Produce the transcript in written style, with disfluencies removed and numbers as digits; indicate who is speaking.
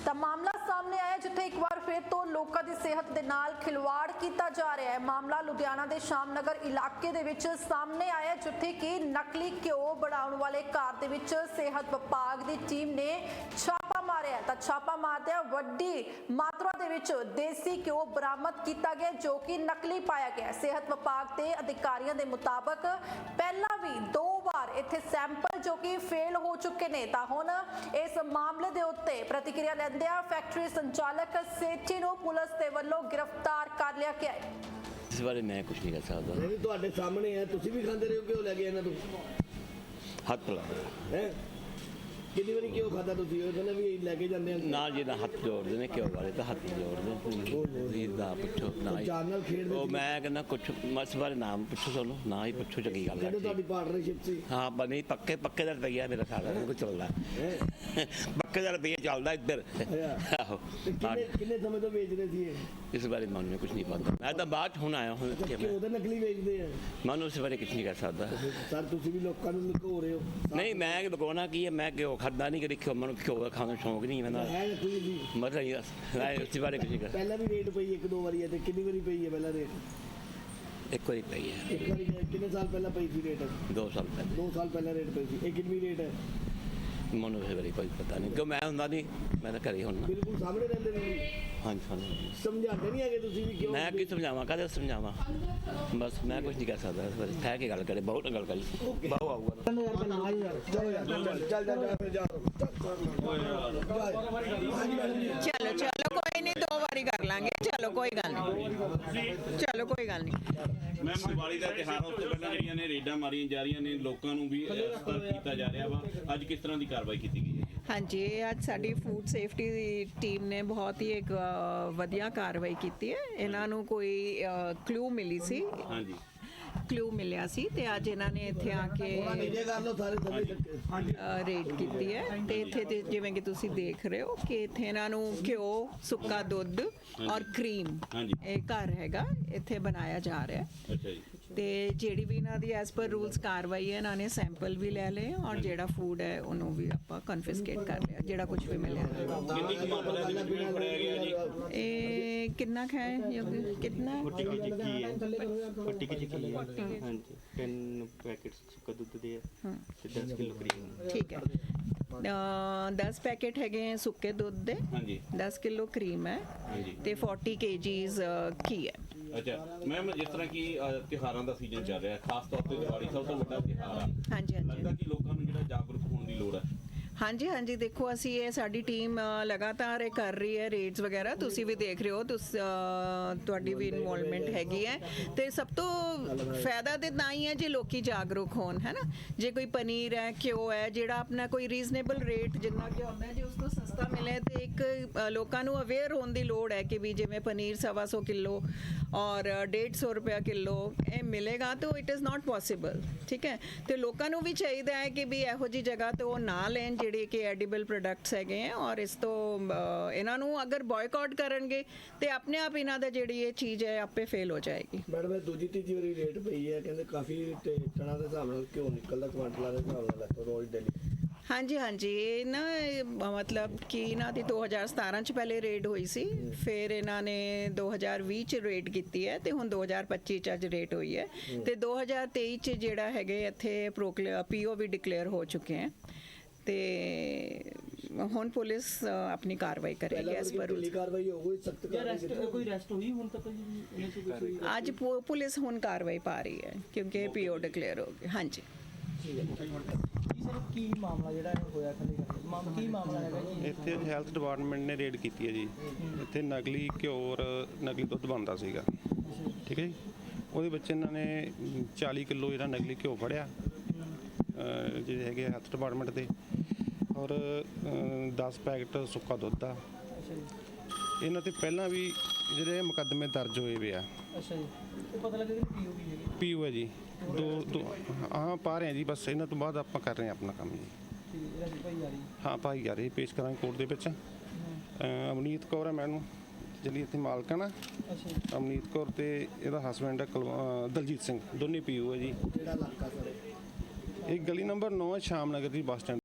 Speaker 1: ਤਾਂ ਮਾਮਲਾ ਸਾਹਮਣੇ ਆਇਆ ਜਿੱਥੇ ਇੱਕ ਵਾਰ ਫਿਰ ਤੋਂ ਲੋਕਾਂ ਦੀ ਸਿਹਤ ਦੇ ਨਾਲ ਖਿਲਵਾੜ ਕੀਤਾ ਜਾ ਰਿਹਾ ਹੈ। ਮਾਮਲਾ ਲੁਧਿਆਣਾ ਦੇ ਸ਼ਾਮਨਗਰ ਇਲਾਕੇ ਦੇ ਵਿੱਚ ਸਾਹਮਣੇ ਆਇਆ ਜਿੱਥੇ ਕਿ ਨਕਲੀ ਘਿਓ ਬਣਾਉਣ ਵਾਲੇ ਘਰ ਦੇ ਵਿੱਚ ਸਿਹਤ ਵਿਭਾਗ ਦੀ ਟੀਮ ਨੇ ਛਾਪਾ ਮਾਰਿਆ ਤਾਂ ਛਾਪਾ ਮਾਰਦਿਆਂ ਵੱਡੀ ਮਾਤਰਾ ਦੇ ਵਿੱਚ ਦੇਸੀ ਘਿਓ ਬਰਾਮਦ ਕੀਤਾ ਗਿਆ ਜੋ ਕਿ ਨਕਲੀ ਪਾਇਆ ਗਿਆ। ਸਿਹਤ ਵਿਭਾਗ ਦੇ ਅਧਿਕਾਰੀਆਂ ਦੇ ਮੁਤਾਬਕ ਪਹਿਲਾਂ ਵੀ 2 ਵਾਰ ਇੱਥੇ ਸੈਂਪਲ ਜੋ ਕਿ ਫੇਲ ਹੋ ਚੁੱਕੇ ਨੇ ਤਾਂ ਹੁਣ ਇਸ ਮਾਮਲੇ ਦੇ ਉੱਤੇ ਪ੍ਰਤੀਕਿਰਿਆ ਲੈਂਦਿਆਂ ਫੈਕਟਰੀ ਸੰਚਾਲਕ ਸੇਠੀ ਨੂੰ ਪੁਲਿਸ ਦੇ ਵੱਲੋਂ गिरफ्तार कर लिया गया है।
Speaker 2: इस बारे मैं कुछ नहीं कर सकता।
Speaker 3: नहीं ਤੁਹਾਡੇ ਸਾਹਮਣੇ ਹੈ ਤੁਸੀਂ ਵੀ ਖਾਂਦੇ ਰਹੇ ਹੋ ਕਿਉਂ ਲੈ ਕੇ ਇਹਨਾਂ ਤੋਂ
Speaker 2: ਹੱਥ ਲਾ
Speaker 3: ਹੈ ਕਿੰਨੀ ਵਾਰੀ ਕਿਉਂ ਖਾਦਾ ਤੁਸੀਂ ਉਹ ਕਹਿੰਦੇ ਵੀ ਲੈ ਕੇ ਜਾਂਦੇ ਆ
Speaker 2: ਨਾਲ ਜਿਹਦਾ ਹੱਥ ਜੋੜਦੇ ਨੇ ਕਿਉਂ ਵਾਲੇ ਤਾਂ ਹੱਥ ਜੋੜਦੇ ਇਹਦਾ ਪੁੱਛੋ ਨਾ
Speaker 3: ਜਾਨ ਨਾਲ ਖੇਡਦੇ
Speaker 2: ਉਹ ਮੈਂ ਕਹਿੰਦਾ ਕੁਛ ਇਸ ਬਾਰੇ ਨਾਮ ਪੁੱਛੋ ਤੁਹਾਨੂੰ ਨਾ ਹੀ ਪੁੱਛੋ ਚੰਗੀ ਗੱਲ ਹੈ
Speaker 3: ਤੁਹਾਡੀ ਪਾਰਟਨਰਸ਼ਿਪ ਸੀ
Speaker 2: ਹਾਂ ਬਣੀ ਪੱਕੇ ਦਾ ਰੁਪਈਆ ਮੇਰਾ ਸਾਰਾ ਕੁਝ ਚੱਲਦਾ ਪੱਕੇ ਦਾ ਰੁਪਈਆ ਚੱਲਦਾ ਇੱਧਰ ਆਹੋ
Speaker 3: ਕਿੰਨੇ ਸਮੇਂ ਤੋਂ ਵੇਚ ਰਹੇ ਸੀ ਇਹ
Speaker 2: ਇਸ ਬਾਰੇ ਮੈਨੂੰ ਕੁਝ ਨਹੀਂ ਪਤਾ ਮੈਂ ਤਾਂ ਬਾਅਦ ਹੁਣ ਆਇਆ ਹੁਣ
Speaker 3: ਕਿਉਂ ਤਾਂ ਨਕਲੀ ਵੇਚਦੇ ਆ
Speaker 2: ਮੈਨੂੰ ਇਸ ਬਾਰੇ ਕੁਝ ਨਹੀਂ ਕਰ ਸਕਦਾ
Speaker 3: ਸਰ ਤੁਸੀਂ ਵੀ ਲੋਕਾਂ ਨੂੰ ਲੁਕੋ ਰਹੇ ਹੋ
Speaker 2: ਨਹੀਂ ਮੈਂ ਲੁਕਾਉਣਾ ਕੀ ਹੈ ਮੈਂ ਕਿਉਂ ਖਾਦਾ ਨਹੀਂ ਕਦੇ ਮੈਨੂੰ ਘਿਓ ਦਾ ਖਾਣ ਦਾ ਸ਼ੌਂਕ ਨਹੀਂ ਮੈਨੂੰ ਮਤਲਬ ਇਸ ਬਾਰੇ ਕੁਝ ਨਹੀਂ ਕਰ
Speaker 3: ਪਹਿਲਾਂ ਵੀ ਰੇਟ ਪਈ 1-2 ਵਾਰੀ ਹੈ ਤੇ ਕਿੰਨੀ ਵਾਰੀ ਪਈ ਹੈ ਪਹਿਲਾਂ ਰੇਟ
Speaker 2: ਇੱਕ ਵਾਰੀ ਪਈ ਹੈ
Speaker 3: ਇੱਕ ਵਾਰੀ ਕਿੰਨੇ ਸਾਲ ਪਹਿਲਾਂ ਪਈ ਸੀ ਰੇਟ
Speaker 2: 2 ਸਾਲ ਪਹਿਲਾਂ
Speaker 3: 2 ਸਾਲ ਪਹਿਲਾਂ ਰੇਟ ਪਈ ਸੀ ਇਹ ਕਿੰਨੀ ਰੇਟ ਹੈ
Speaker 2: ਮੈਨੂੰ ਇਸ ਬਾਰੇ ਕੋਈ ਪਤਾ ਨਹੀਂ ਕਿਉਂ ਮੈਂ ਹੁੰਦਾ ਨਹੀਂ ਮੈਂ ਤਾਂ ਘਰੇ ਹੁੰਦਾ
Speaker 3: ਬਿਲਕੁਲ ਸਾਹਮਣੇ ਰਹਿੰਦੇ ਨੇ
Speaker 2: ਹਾਂਜੀ ਸਾਨੂੰ
Speaker 3: ਸਮਝਾਉਂਦੇ ਨਹੀਂ ਹੈਗੇ ਤੁਸੀਂ ਵੀ ਕਿਉਂ
Speaker 2: ਮੈਂ ਕੀ ਸਮਝਾਵਾਂ ਕਾਹਦੇ ਸਮਝਾਵਾਂ ਬਸ ਮੈਂ ਕੁਝ ਨਹੀਂ ਕਰ ਸਕਦਾ ਇਸ ਬਾਰੇ ਠਹਿ ਕੇ ਗੱਲ ਕਰੇ ਬਹੁਤ ਗੱਲ ਕਰੀ ਬਾਹੂ ਆਊਗਾ
Speaker 4: चलो चलो कोई नहीं 2 बारी कर लांगे चलो कोई गल नहीं चलो कोई गल नहीं
Speaker 5: ਮੈਂ ਦੀਵਾਲੀ ਦਾ ਤਿਉਹਾਰ ਉਸ ਤੋਂ ਪਹਿਲਾਂ ਜਿਹੜੀਆਂ ਨੇ ਰੇਡਾਂ ਮਾਰੀਆਂ ਜਾ ਰਹੀਆਂ ਨੇ ਲੋਕਾਂ ਨੂੰ ਵੀ ਸਤਰਕ ਕੀਤਾ ਜਾ ਰਿਹਾ ਵਾ ਅੱਜ ਕਿਸ ਤਰ੍ਹਾਂ ਦੀ ਕਾਰਵਾਈ ਕੀਤੀ ਗਈ ਹੈ
Speaker 4: हाँ जी ਅੱਜ ਸਾਡੀ ਫੂਡ ਸੇਫਟੀ ਦੀ ਟੀਮ ਨੇ ਬਹੁਤ ਹੀ ਇੱਕ ਵਧੀਆ ਕਾਰਵਾਈ ਕੀਤੀ ਹੈ ਇਹਨਾਂ ਨੂੰ ਕੋਈ ਕਲੂ ਮਿਲੀ ਸੀ
Speaker 5: ਹਾਂਜੀ
Speaker 4: ਕਲੂ ਮਿਲਿਆ ਸੀ ਤੇ ਅੱਜ ਇਹਨਾਂ ਨੇ ਇੱਥੇ ਆ ਕੇ ਰੇਡ ਕੀਤੀ ਹੈ ਤੇ ਇੱਥੇ ਤੇ ਜਿਵੇਂ ਕਿ ਤੁਸੀਂ ਦੇਖ ਰਹੇ ਹੋ ਕਿ ਇੱਥੇ ਇਹਨਾਂ ਨੂੰ ਘਿਓ ਸੁੱਕਾ ਦੁੱਧ ਔਰ ਕਰੀਮ ਇਹ ਘਰ ਹੈਗਾ ਇੱਥੇ ਬਣਾਇਆ ਜਾ ਰਿਹਾ ਹੈ
Speaker 5: ਅੱਛਾ ਜੀ
Speaker 4: ਤੇ ਜਿਹੜੀ ਵੀ ਇਹਨਾਂ ਦੀ ਐਸ ਪਰ ਰੂਲਸ ਕਾਰਵਾਈ ਹੈ ਇਹਨਾਂ ਨੇ ਸੈਂਪਲ ਵੀ ਲੈ ਲਏ ਔਰ ਜਿਹੜਾ ਫੂਡ ਹੈ ਉਹਨੂੰ ਵੀ ਆਪਾਂ ਕਨਫਿਸਕੇਟ ਕਰ ਲਿਆ ਜਿਹੜਾ ਕੁਝ ਵੀ ਮਿਲਿਆ
Speaker 5: ਕਿੰਨੀ ਕੁ ਮਾਤਰਾ ਦੇ ਵਿੱਚ ਫੜਿਆ ਗਿਆ ਜੀ
Speaker 4: ਇਹ ਕਿੰਨਾ ਖਾਏ ਕਿੰਨਾ
Speaker 6: 40 ਕੀ ਹੈ 40 ਕੀ ਹੈ ਹਾਂਜੀ 10 ਪੈਕੇਟਸ ਸੁੱਕਾ ਦੁੱਧ ਦੇ ਤੇ 10 ਕਿਲੋ ਕਰੀਮ
Speaker 4: ਠੀਕ ਹੈ 10 ਪੈਕੇਟ ਹੈਗੇ ਸੁੱਕੇ ਦੁੱਧ ਦੇ
Speaker 5: ਹਾਂਜੀ
Speaker 4: 10 ਕਿਲੋ ਕਰੀਮ ਹੈ ਤੇ 40 kgs ਘੀ ਹੈ
Speaker 5: ਅੱਛਾ ਮੈਮ ਜਿਸ ਤਰ੍ਹਾਂ ਕਿ ਤਿਉਹਾਰਾਂ ਦਾ ਸੀਜ਼ਨ ਚੱਲ ਰਿਹਾ ਖਾਸ ਤੌਰ ਤੇ ਦੀਵਾਲੀ ਸਭ ਤੋਂ ਵੱਡਾ ਤਿਉਹਾਰ ਆ
Speaker 4: ਹਾਂਜੀ
Speaker 5: ਲੱਗਦਾ ਕਿ ਲੋਕਾਂ ਨੂੰ ਜਿਹੜਾ ਜਾਗਰੂਕ ਹੋਣ ਦੀ ਲੋੜ ਹੈ
Speaker 4: ਹਾਂਜੀ ਹਾਂਜੀ ਦੇਖੋ ਅਸੀਂ ਇਹ ਸਾਡੀ ਟੀਮ ਲਗਾਤਾਰ ਇਹ ਕਰ ਰਹੀ ਹੈ ਰੇਡਸ ਵਗੈਰਾ ਤੁਸੀਂ ਵੀ ਦੇਖ ਰਹੇ ਹੋ ਤੁਹਾਡੀ ਵੀ ਇਨਵੋਲਵਮੈਂਟ ਹੈਗੀ ਹੈ ਤੇ ਸਭ ਤੋਂ ਫਾਇਦਾ ਤੇ ਤਾਂ ਹੀ ਹੈ ਜੇ ਲੋਕੀ ਜਾਗਰੂਕ ਹੋਣ ਹੈ ਨਾ ਜੇ ਕੋਈ ਪਨੀਰ ਹੈ ਘਿਓ ਹੈ ਜਿਹੜਾ ਆਪਣਾ ਕੋਈ ਰੀਜ਼ਨੇਬਲ ਰੇਟ ਜਿੰਨਾ ਕਿ ਹੁੰਦਾ ਜੇ ਉਸ ਤੋਂ ਸਸਤਾ ਮਿਲੇ ਤੇ ਇੱਕ ਲੋਕਾਂ ਨੂੰ ਅਵੇਅਰ ਹੋਣ ਦੀ ਲੋੜ ਹੈ ਕਿ ਵੀ ਜਿਵੇਂ ਪਨੀਰ 125 ਕਿਲੋ ਔਰ 150 ਰੁਪਇਆ ਕਿਲੋ ਇਹ ਮਿਲੇਗਾ ਤਾਂ ਇਟ ਇਜ਼ ਨਾਟ ਪੋਸੀਬਲ ਠੀਕ ਹੈ ਤੇ ਲੋਕਾਂ ਨੂੰ ਵੀ ਚਾਹੀਦਾ ਹੈ ਕਿ ਵੀ ਇਹੋ ਜਿਹੀ ਜਗ੍ਹਾ ਤੋਂ ਉਹ ਨਾ ਲੈਣ ਜਿਹੜੇ ਕਿ ਐਡੀਬਲ ਪ੍ਰੋਡਕਟਸ ਹੈਗੇ ਆ ਔਰ ਇਸ ਤੋਂ ਇਹਨਾਂ ਨੂੰ ਅਗਰ ਬਾਇਕਾਟ ਕਰਨਗੇ ਤੇ ਆਪਣੇ ਆਪ ਇਹਨਾਂ ਦਾ ਜਿਹੜੀ ਇਹ ਚੀਜ਼ ਹੈ ਆਪੇ ਫੇਲ ਹੋ ਜਾਏਗੀ
Speaker 3: ਮੈਡਮ ਇਹ ਦੂਜੀ ਤੀਜੀ ਵਾਰੀ ਰੇਟ ਪਈ ਹੈ ਕਹਿੰਦੇ ਕਾਫੀ ਟਨਾਂ ਦੇ ਹਿਸਾਬ ਨਾਲ ਘਿਓ ਨਿਕਲਦਾ ਕੁਆਂਟਲਾਂ ਦੇ ਹਿਸਾਬ ਨਾਲ ਰੋਜ਼ ਡੇਲੀ
Speaker 4: ਹਾਂਜੀ ਹਾਂਜੀ ਇਹ ਨਾ ਮਤਲਬ ਕਿ ਇਹਨਾਂ ਦੀ 2017 ਚ ਪਹਿਲੇ ਰੇਡ ਹੋਈ ਸੀ ਫਿਰ ਇਹਨਾਂ ਨੇ 2020 ਚ ਰੇਡ ਕੀਤੀ ਹੈ ਤੇ ਹੁਣ 2025 ਚ ਅੱਜ ਰੇਡ ਹੋਈ ਹੈ ਤੇ 2023 ਚ ਜਿਹੜਾ ਹੈਗੇ ਇੱਥੇ ਪੀਓ ਵੀ ਡਿਕਲੇਅਰ ਹੋ ਚੁੱਕੇ ਹੈ ਤੇ ਹੁਣ ਪੁਲਿਸ ਆਪਣੀ ਕਾਰਵਾਈ ਕਰੇਗੀ ਇਸ ਪਰ
Speaker 3: ਕਾਰਵਾਈ ਹੋਊਗੀ ਸਖਤ ਕਾਰਵਾਈ
Speaker 6: ਕੋਈ ਅਰੈਸਟ ਹੋਈ ਹੁਣ ਤੱਕ
Speaker 4: ਅੱਜ ਪੁਲਿਸ ਹੁਣ ਕਾਰਵਾਈ ਪਾ ਰਹੀ ਹੈ ਕਿਉਂਕਿ ਪੀਓ ਡਿਕਲੇਅਰ ਹੋ ਗਏ ਹਾਂਜੀ
Speaker 6: ਕੀ ਮਾਮਲਾ ਜਿਹੜਾ ਹੋਇਆ ਕੀ ਮਾਮਲਾ ਹੈਗਾ ਜੀ
Speaker 7: ਇੱਥੇ ਹੈਲਥ ਡਿਪਾਰਟਮੈਂਟ ਨੇ ਰੇਡ ਕੀਤੀ ਹੈ ਜੀ ਇੱਥੇ ਨਕਲੀ ਘਿਓ ਔਰ ਨਕਲੀ ਦੁੱਧ ਬਣਦਾ ਸੀਗਾ ਠੀਕ ਹੈ ਜੀ ਉਹਦੇ ਵਿੱਚ ਇਹਨਾਂ ਨੇ 40 ਕਿਲੋ ਜਿਹੜਾ ਨਕਲੀ ਘਿਓ ਫੜਿਆ ਜਿਹੜੇ ਹੈਗੇ ਹੈਲਥ ਡਿਪਾਰਟਮੈਂਟ ਦੇ ਔਰ 10 ਪੈਕਟ ਸੁੱਕਾ ਦੁੱਧ ਆ ਇਹਨਾਂ ਤੇ ਪਹਿਲਾਂ ਵੀ ਜਿਹੜੇ ਮੁਕੱਦਮੇ ਦਰਜ ਹੋਏ ਵੇ ਆ
Speaker 6: ਅੱਛਾ ਜੀ ਉਹ ਪਤਾ ਲੱਗਾ ਕਿ
Speaker 7: ਪੀਓ ਹੈ ਜੀ ਦੋ ਹਾਂ ਪਾ ਰਹੇ ਹਾਂ ਜੀ ਬਸ ਇਹਨਾਂ ਤੋਂ ਬਾਅਦ ਆਪਾਂ ਕਰ ਰਹੇ ਹਾਂ ਆਪਣਾ ਕੰਮ ਜੀ ਹਾਂ ਭਾਈਚਾਰੇ ਪੇਸ਼ ਕਰਾਂਗੇ ਕੋਰਟ ਦੇ ਵਿੱਚ ਅਮਨੀਤ ਕੌਰ ਹੈ ਮੈਨੂੰ ਜਿਹੜੀ ਇੱਥੇ ਮਾਲਕ ਹੈ ਨਾ ਅਮਨੀਤ ਕੌਰ ਤੇ ਇਹਦਾ ਹਸਬੈਂਡ ਹੈ ਦਲਜੀਤ ਸਿੰਘ ਦੋਨੇ ਪੀਓ ਹੈ ਜੀ ਇਹ ਗਲੀ ਨੰਬਰ 9 ਸ਼ਾਮ ਨਗਰ ਦੀ ਬੱਸ ਸਟੈਂਡ